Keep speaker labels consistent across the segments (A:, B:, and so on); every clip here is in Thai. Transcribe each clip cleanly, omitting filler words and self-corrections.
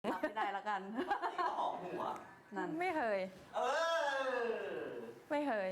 A: รับไม่ได้ละกัน
B: ตีก็หอมหัว
A: นั่น
C: ไม่เคยไม่เคย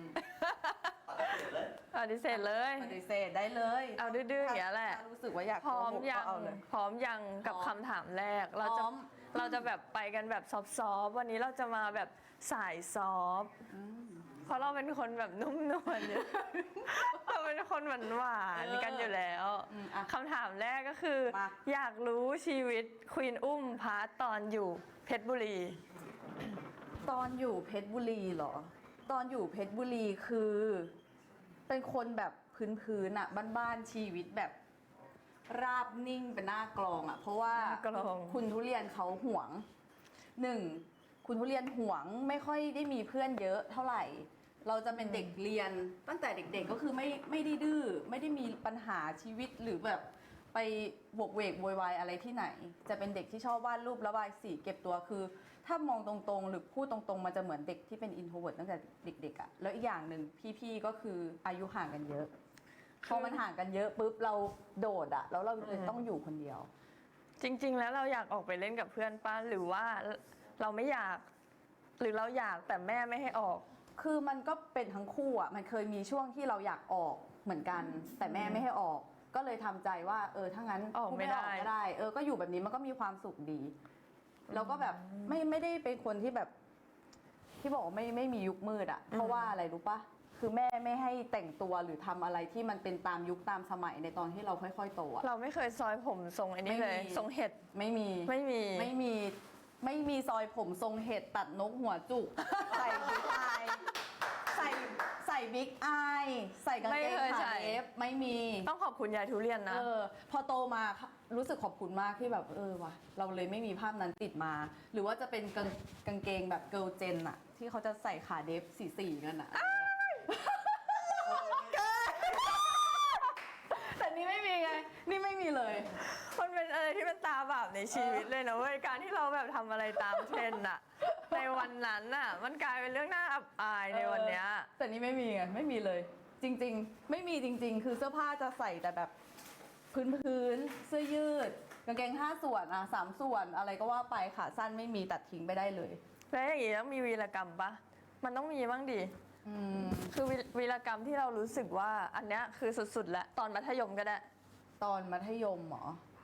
B: ปฏิเสธเลย
C: ปฏิเสธเลย
A: ปฏิเสธได้เลย
C: เอาดื้อๆอย่างนี้แหละ
A: ถ้ารู้สึกว่าอยาก
C: พร้อมยัง
A: เอาเลย
C: พร้อมยังกับคำถามแรก
A: พร้อม
C: เราจะแบบไปกันแบบซอฟต์ๆวันนี้เราจะมาแบบสายซอฟต์เพราะเราเป็นคนแบบนุ่มนวลอยู่เราเป็นคนหวานๆกันอยู่แล้วคำถามแรกก็คือ อยากรู้ชีวิตควีนอุ้มพาร์ทตอนอยู่เพชรบุรี
A: ตอนอยู่เพชรบุรีเหรอตอนอยู่เพชรบุรีคือเป็นคนแบบพื้นๆอะบ้านๆชีวิตแบบราบนิ่งเป็นหน้ากลองอะเพราะว่าคุณทุเรียนเขาห่วงหนึ่งคุณทุเรียนห่วงไม่ค่อยได้มีเพื่อนเยอะเท่าไหร่ เราจะเป็นเด็กเรียนตั้งแต่เด็กๆก็คือไม่ได้ดื้อไม่ได้มีปัญหาชีวิตหรือแบบไปบวกเวกโวยวายอะไรที่ไหนจะเป็นเด็กที่ชอบวาดรูประบายสีเก็บตัวคือถ้ามองตรงๆหรือพูดตรงๆมันจะเหมือนเด็กที่เป็นอินโทรเวิร์ตตั้งแต่เด็กๆอะแล้วอีกอย่างหนึ่งพี่ๆก็คืออายุห่างกันเยอะพอมันห่างกันเยอะปุ๊บเราโดดอะแล้วเราเลยต้องอยู่คนเดียว
C: จริงๆแล้วเราอยากออกไปเล่นกับเพื่อนป้าหรือว่าเราไม่อยากหรือเราอยากแต่แม่ไม่ให้ออก
A: คือมันก็เป็นทั้งคู่อ่ะมันเคยมีช่วงที่เราอยากออกเหมือนกันแต่แม่ไม่ให้ออกก็เลยทำใจว่าถ้างั้น
C: ออกไม่ได้
A: ก็ได้ก็อยู่แบบนี้มันก็มีความสุขดีแล้วก็แบบไม่ได้เป็นคนที่แบบที่บอกว่าไม่มียุคมืดอ่ะเพราะว่าอะไรรู้ปะคือแม่ไม่ให้แต่งตัวหรือทำอะไรที่มันเป็นตามยุคตามสมัยในตอนที่เราค่อยๆโตอ่ะ
C: เราไม่เคยซอยผมทรงไอ้นี่เลยทรงเห็ด
A: ไม่มีซอยผมทรงเห็ดตัดนกหัวจุกใส่บิ๊กอายใส่บิ๊กอายใส่กางเกงขาเอฟไม่มี
C: ต้องขอบคุณยายทุเรียนนะ
A: พอโตมารู้สึกขอบคุณมากที่แบบว่ะเราเลยไม่มีภาพนั้นติดมา หรือว่าจะเป็นกางเกงแบบเกิร์ลเจนอะที่เขาจะใส่ขาเดฟสีกันอะแต่นี่ไม่มีไงนี่ไม่มีเลย
C: มันเป็นอะไรที่เป็นตาบาปในชีวิตเลยนะเว้ยการที่เราแบบทำอะไรตามเทรนด์อะในวันนั้นน่ะมันกลายเป็นเรื่องน่าอับอายในวันเนี้ย
A: แต่นี่ไม่มีไงไม่มีเลยจริงๆไม่มีจริงๆคือเสื้อผ้าจะใส่แต่แบบพื้นเสื้อยืดกางเกง5 ส่วน3 ส่วนอะไรก็ว่าไปขาสั้นไม่มีตัดทิ้งไปได้เลย
C: แล้วอย่างนี้ต้องมีวีรกรรมปะมันต้องมีบ้างดิคือวีรกรรมที่เรารู้สึกว่าอันเนี้ยคือสุดๆแล้วตอนมัธยมก็ได้
A: ตอนมัธยมหรอ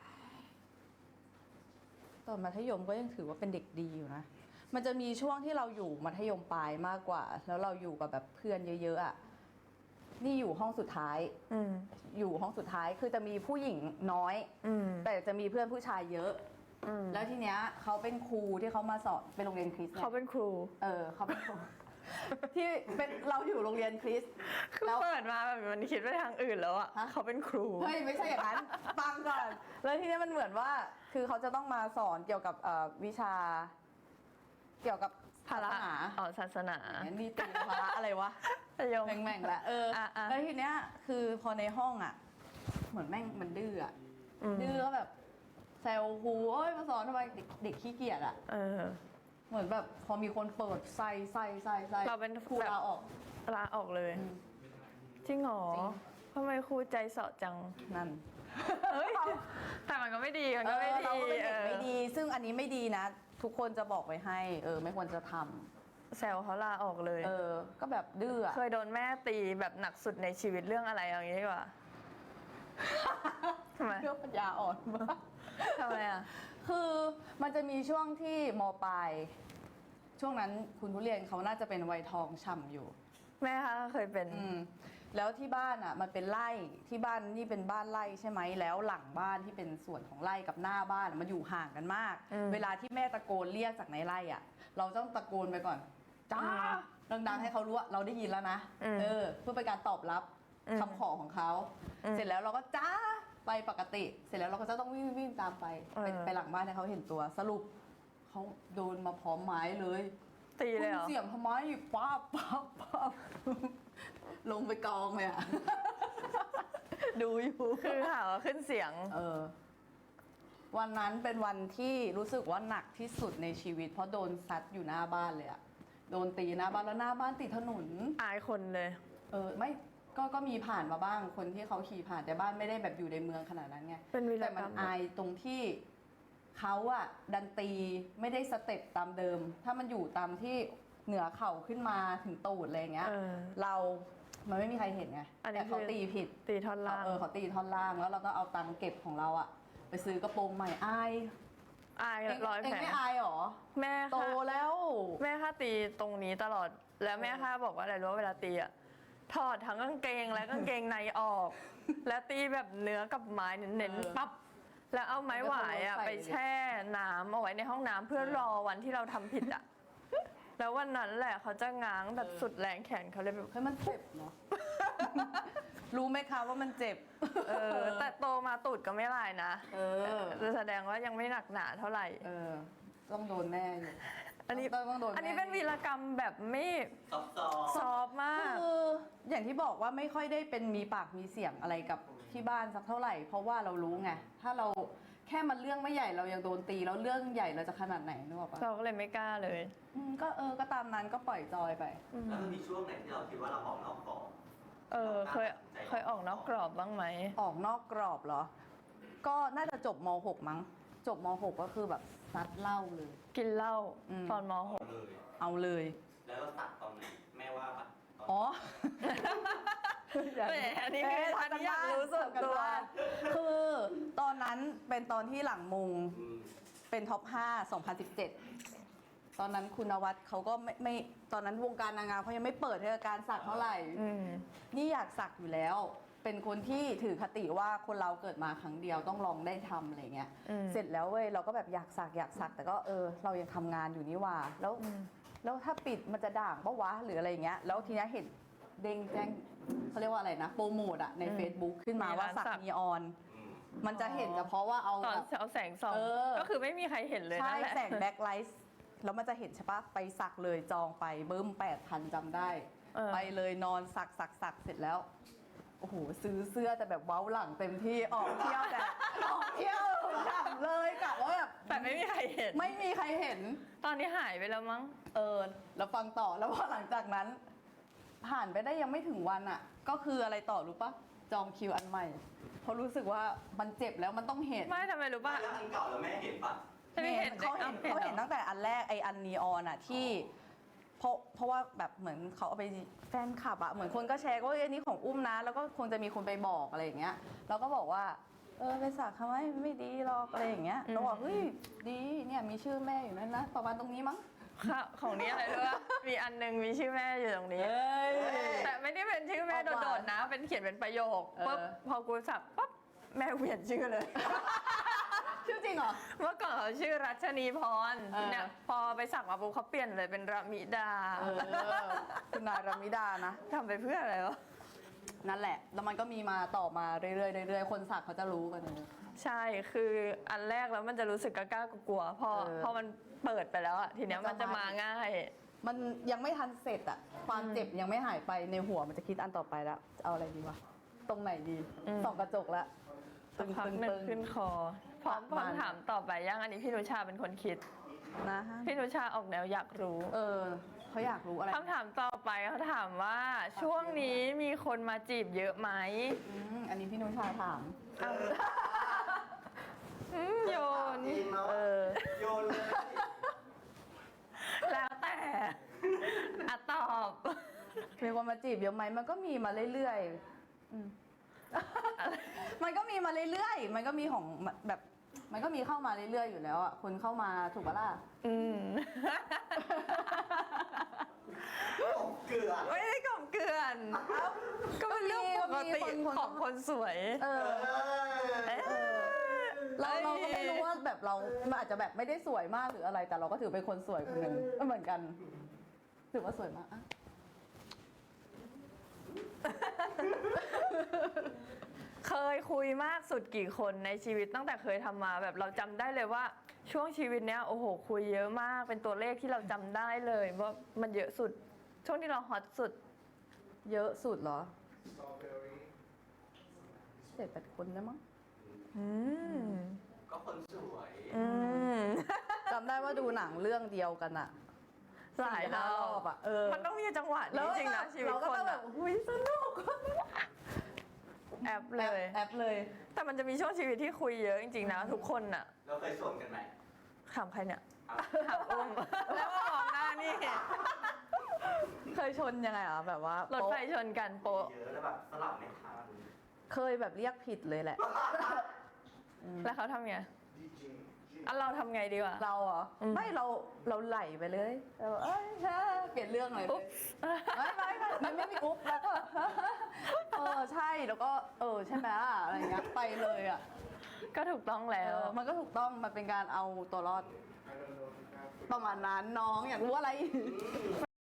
A: ตอนมัธยมก็ยังถือว่าเป็นเด็กดีอยู่นะมันจะมีช่วงที่เราอยู่มัธยมปลายมากกว่าแล้วเราอยู่กับแบบเพื่อนเยอะๆอ่ะนี่อยู่ห้องสุดท้ายอยู่ห้องสุดท้ายคือจะมีผู้หญิงน้อยแต่จะมีเพื่อนผู้ชายเยอะแล้วทีเนี้ยเขาเป็นครูที่เขามาสอนเป็นโรงเรียนคริสต์
C: เขาเป็นครู
A: เขาเป็นครูที่เป็นเราอยู่โรงเรียนคริสต์
C: แล้วเปิดมาแบบมันคิดไปทางอื่นแล้วอ่ะเขาเป็นครู
A: เฮ้ยไม่ใช่อย่างนั้นฟังก่อนแล้วทีนี้มันเหมือนว่าคือเขาจะต้องมาสอนเกี่ยวกับวิชาเกี่ยวกับ
C: ศาสนาศาสนา
A: นี่ตีภาระอะไรวะแม่งแหละแล้วทีเนี้ยคือพอในห้องอ่ะเหมือนแม่งมันดื้ออ่ะดื้อก็แบบแซวครูมาสอนทำไมเด็กขี้เกียจอ่ะเหมือนแบบพอมีคนเปิดใส่
C: เราเป็น
A: ครูลาออก
C: เลยจริงเหรอทำไมครูใจเสาะจัง
A: นั่น
C: แต่มันก็ไม่ดีมันก็ไม่ดี
A: เราก็เป็นเด็กไม่ดีซึ่งอันนี้ไม่ดีนะทุกคนจะบอกไว้ให้ไม่ควรจะทำ
C: แซวเขาลาออกเลย
A: ก็แบบดื้อ
C: เคยโดนแม่ตีแบบหนักสุดในชีวิตเรื่องอะไรอย่างนี้ดีกว่าทำไม
A: เรื่องปัญญาอ่อนมาก
C: ทำไมอ่ะ
A: คือมันจะมีช่วงที่ม.ปลายช่วงนั้นคุณทุเรียนเขาน่าจะเป็นวัยทองฉ่ำอยู่
C: แม่คะเคยเป็น
A: แล้วที่บ้านอ่ะมันเป็นไร่ที่บ้านนี่เป็นบ้านไร่ใช่ไหมแล้วหลังบ้านที่เป็นส่วนของไร่กับหน้าบ้านมันอยู่ห่างกันมากเวลาที่แม่ตะโกนเรียกจากในไร่อ่ะเราต้องตะโกนไปก่อนจ้าดังๆให้เขารู้ว่าเราได้ยินแล้วนะเพื่อเป็นการตอบรับคำขอของเขาเสร็จแล้วเราก็จ้าไปปกติเสร็จแล้วเราก็จะต้องวิ่งตามไปหลังบ้านให้เขาเห็นตัวสรุปเขาโดนมาพร้อมไม้เลย
C: ตีเลยเหรอ
A: เสียงทำไมป้าลงไปกองเลยอ่ะดูอยู่
C: คือหาว่าขึ้นเสียง
A: วันนั้นเป็นวันที่รู้สึกว่าหนักที่สุดในชีวิตเพราะโดนซัดอยู่หน้าบ้านเลยอ่ะโดนตีหน้าบ้านแล้วหน้าบ้านติดถนน
C: อายคนเลย
A: ไม่ก็มีผ่านมาบ้างคนที่เขาขี่ผ่านแต่บ้านไม่ได้แบบอยู่ในเมืองขนาดนั้นไง
C: เป็นวีรกรรม
A: แต่มันอายตรงที่เขาอะดันตีไม่ได้สเต็ปตามเดิม ถ้ามันอยู่ตามที่เหนือเข่าขึ้นมาถึงตูดอะไรอย่างเงี้ย มันไม่มีใครเห็นไง
C: อันนี้
A: แต่เขาตีผิด
C: ตีท่อนล่าง
A: เขาตีท่อนล่างแล้วเราก็เอาตังค์เก็บของเราอะไปซื้อกระโปรงใหม่อาย
C: อาย
A: เอง
C: ร้อย
A: เอง
C: แผล
A: ไม่อายหรอ
C: แม่
A: โต
C: ค่ะ
A: แล้ว
C: แม่ค่ะตีตรงนี้ตลอด แล้วแม่ค่ะบอกว่าอะไรรู้ว่าเวลาตีอะถอดทั้งกางเกงและกางเกงในออก แล้วตีแบบเนื้อกับไม้เน้นๆปั๊บ แล้วเอาไม้หวายอะไปแช่น้ำเอาไว้ในห้องน้ำเพื่อรอวันที่เราทำผิดอะแล้ววันนั้นแหละเขาจะง้างแบบสุดแรงแขนเขาเลยแบบ
A: เฮ้ยมันเจ็บเนาะ รู้ไหมคะว่ามันเจ็บ
C: แต่โตมาตูดก็ไม่ลายนะ แสดงว่ายังไม่หนักหนาเท่าไหร่
A: ต้องโดนแน่อยู่
C: อันนี้
A: ต้องโดนแ
C: อันนี้เป็นวีรกรรมแบบไม่
B: ซอฟต์
C: ซอฟต์มาก
A: คืออย่างที่บอกว่าไม่ค่อยได้เป็นมีปากมีเสียงอะไรกับที่บ้านสักเท่าไหร่ เพราะว่าเรารู้ไง ถ้าเราแค่มันเรื่องไม่ใหญ่เรายังโดนตีแล้วเรื่องใหญ่เราจะขนาดไหนนึกออกปะ
C: เราก็เลยไม่กล้าเลย
A: ก็ตามนั้นก็ปล่อยจอยไป
B: แล้วมันมีช่วงไหนที่เราคิดว่าเราออกนอกกรอบ
C: เคยออกนอกกรอบบ้างไหม
A: ออกนอกกรอบเหรอ ก็น่าจะจบม .6 มั้ง จบม .6 ก็คือแบบซัดเหล้าเลย
C: กินเหล้าตอนม
B: เลย
A: เอาเลย
B: แล้วเราตัดตอนไหนแม่ว่าปะตน
A: อ๋อ
C: .6 แหมอันนี้คืออันนี้อยากรู้ส่วนตัว
A: คือตอนนั้นเป็นตอนที่หลังมุง
B: อืม
A: เป็นท็อป 5 2017 ตอนนั้นคุณนวัดเขาก็ไม่ตอนนั้นวงการนางงามเขายังไม่เปิดให้การสักเท่าไหร่ นี่อยากสักอยู่แล้ว เป็นคนที่ถือคติว่าคนเราเกิดมาครั้งเดียวต้องลองได้ทำอะไรเงี้ย เสร็จแล้วเว้ยเราก็แบบอยากสักแต่ก็เรายังทำงานอยู่นี่หว่าแล้วถ้าปิดมันจะด่างปะวะหรืออะไรเงี้ย แล้วทีนี้เห็นเด้งแจ้งเขาเรียกว่าอะไรนะโปรโมทอะใน Facebook ขึ้นมาว่าสักนีออน
B: อืม
A: มันจะเห็นเฉพาะว่าเอา
C: ตอน
A: แบบ
C: เอาแสงส่อง ก็คือไม่มีใครเห็นเลย
A: ใช่
C: นั่นแหละ
A: แสงแบ็คไลท์แล้วมันจะเห็นใช่ปะไปสักเลยจองไปเบิ้ม8,000จำได้ ไปเลยนอนสักเสร็จแล้วโอ้โหซื้อเสื้อแต่แบบเว้าหลังเต็มที่ออกเที่ยวแต่ ออกเที่ยวฉ่ำเลยกะว่าแบบ
C: แต่ไม่มีใครเห็น
A: ไม่มีใครเห็น
C: ตอนนี้หายไปแล้วมั้ง
A: แล้วฟังต่อแล้วพอหลังจากนั้น ผ่านไปได้ยังไม่ถึงวันอ่ะ ก็คืออะไรต่อรู้ปะจองคิวอันใหม่เพราะรู้สึกว่ามันเจ็บแล้วมันต้องเห็น
C: ไม่ทำไมรู้ป่ะ
B: แล้วอันเก่าแล้วแม่เห็นปะ
C: ไม่เห็น
A: เขาเห็นตั้งแต่อันแรกไออันนีออนอะที่เพราะว่าแบบเหมือนเขาเอาไปแฟนคลับอะเหมือนคนก็แชร์ว่าอันนี้ของอุ้มนะ แล้วก็คงจะมีคนไปบอกอะไรอย่างเงี้ยเราก็บอกว่าไปสักทำไมไม่ดีหรอกอะไรอย่างเงี้ยเราบอกเฮ้ยดีเนี่ยมีชื่อแม่อยู่นั่นนะประมาณตรงนี้มั้ง
C: ค่ะของนี้อะไรรู้ป่ะมีอันหนึงมีชื่อแม่อยู่ตรงนี้ แต่ไม่ได้เป็นชื่อแม่โดดๆนะ เป็นเขียนเป็นประโยคปุ๊บพอกูสับปั๊บแม่เปลี่ยนชื่อเลย
A: ชื่อจริงเหรอ
C: เมื่อก่อนเขาชื่อรัชนีพร เนี่ยพอไปสักมาปุ๊บเขาเปลี่ยนเลยเป็นระมิดา
A: คุณนายรามิดานะ
C: ทำไปเพื่ออะไรวะ
A: นั่นแหละ แล้วมันก็มีมาต่อมาเรื่อยๆคนสักเขาจะรู้กันเลย
C: ใช่คืออันแรกแล้วมันจะรู้สึกกล้ากลัวๆพอมันเปิดไปแล้วอะทีเนี้ยมันจะมาง่าย
A: มันยังไม่ทันเสร็จอะความเจ็บยังไม่หายไปในหัวมันจะคิดอันต่อไปแล้วจะเอาอะไรดีวะตรงไหนดีส่องกระจกแล้ว
C: สักพักหนึ่งขึ้นคอพร้อม
A: ประมาณ
C: คำถามต่อไปยังอันนี้พี่นุชาเป็นคนคิด
A: นะ
C: พี่นุชาออกแนวอยากรู้
A: เขาอยากรู้อะไร
C: คำถามต่อไปเขาถามว่าช่วงนี้มีคนมาจีบเยอะไหม
A: อันนี้พี่นุชาถาม
C: โยน
B: จริงเนาะโยนเลย
C: แล้วแต่อะตอบ
A: มีคนมาจีบเยอะไหมมันก็มีมาเรื่อยๆมันก็มีมาเรื่อยๆมันก็มีของแบบมันก็มีเข้ามาเรื่อยๆอยู่แล้วอ่ะคนเข้ามาถูกปะล่ะ
B: เกลือ
C: ไม่ได้กล่อมเกลื่อนก็เป็นเรื่องปกติของคนสวย
A: เราก็ไม่รู้ว่าแบบเรามันอาจจะแบบไม่ได้สวยมากหรืออะไร แต่เราก็ถือเป็นคนสวยคนหนึ่งก็เหมือนกัน ถือว่าสวยมากอะ
C: เคยคุยมากสุดกี่คนในชีวิตตั้งแต่เคยทำมาแบบเราจำได้เลยว่าช่วงชีวิตเนี้ยโอ้โหคุยเยอะมากเป็นตัวเลขที่เราจำได้เลยว่ามันเยอะสุด ช่วงที่เราฮอตสุด
A: เยอะสุดเหรอ7-8 คนได้มั้ง
B: ก็คนสวย
A: จำได้ว่าดูหนังเรื่องเดียวกันอะ
C: หลายรอบ
A: 4-5
C: มันต้องมีจังหวะนี้จริงนะชีวิต
A: เราก็
C: คน
A: ต้องแบ
C: อะ
A: บหุ้ยสนุก
C: แอปเลย
A: แอปเลย
C: แต่มันจะมีช่วงชีวิตที่คุยเยอะจริงๆนะทุกคนอะ
B: เราเคยชวนกันไหม
C: ถามใครเนี่ย
B: เอา
C: ถามอุ้ม แล้วก็มองหน้านี่
A: เคยชนยังไงอ่ะแบบว่าร
C: ถไฟชนกันโป๊ะ
B: เยอะแล้วแบบสลับไม่ทัน
A: เคยแบบเรียกผิดเลยแหละ
C: แล้วเขาทำไงอ่ะเราทำไงดีวะ
A: เราเหรอ ไม่เราไหลไปเลยเราเอ้ยเปลี่ยนเรื่องเลย
C: อุ๊บ
A: ไม่มีอุ๊บแล้วก็ ใช่แล้วก็ใช่ไหมล่ะอะไรเงี้ยไปเลยอ่ะ
C: ก็ถูกต้องแล้ว
A: มันก็ถูกต้องมันเป็นการเอาตัวรอดประมาณนั้นน้องอยากรู้อะไร